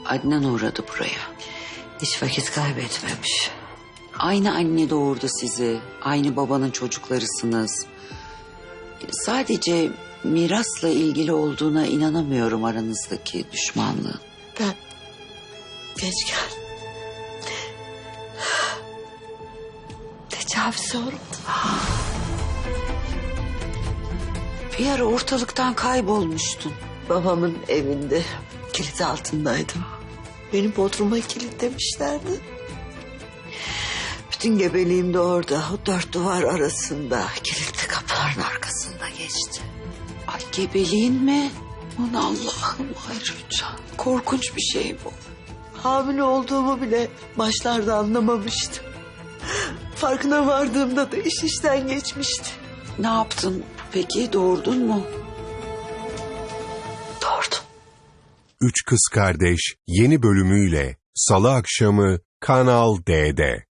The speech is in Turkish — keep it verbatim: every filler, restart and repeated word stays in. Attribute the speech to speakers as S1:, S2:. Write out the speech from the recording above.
S1: Adnan uğradı buraya.
S2: Hiç vakit kaybetmemiş.
S1: Aynı anne doğurdu sizi. Aynı babanın çocuklarısınız. Sadece mirasla ilgili olduğuna inanamıyorum aranızdaki düşmanlığın.
S2: Ben geç geldim. Tecavüze uğradım.
S1: Bir ara ortalıktan kaybolmuştun.
S2: Babamın evinde kilit altındaydım. Beni bodruma kilitlemişlerdi. Bütün gebeliğim de orada, o dört duvar arasında, kilitli kapıların arkasında geçti.
S1: Ay gebeliğin mi? Aman Allah'ım Hayrullah. Korkunç bir şey bu.
S2: Hamile olduğumu bile başlarda anlamamıştım. Farkına vardığımda da iş işten geçmişti.
S1: Ne yaptın peki, doğurdun mu?
S2: Doğurdum.
S3: Üç Kız Kardeş yeni bölümüyle Salı akşamı Kanal D'de.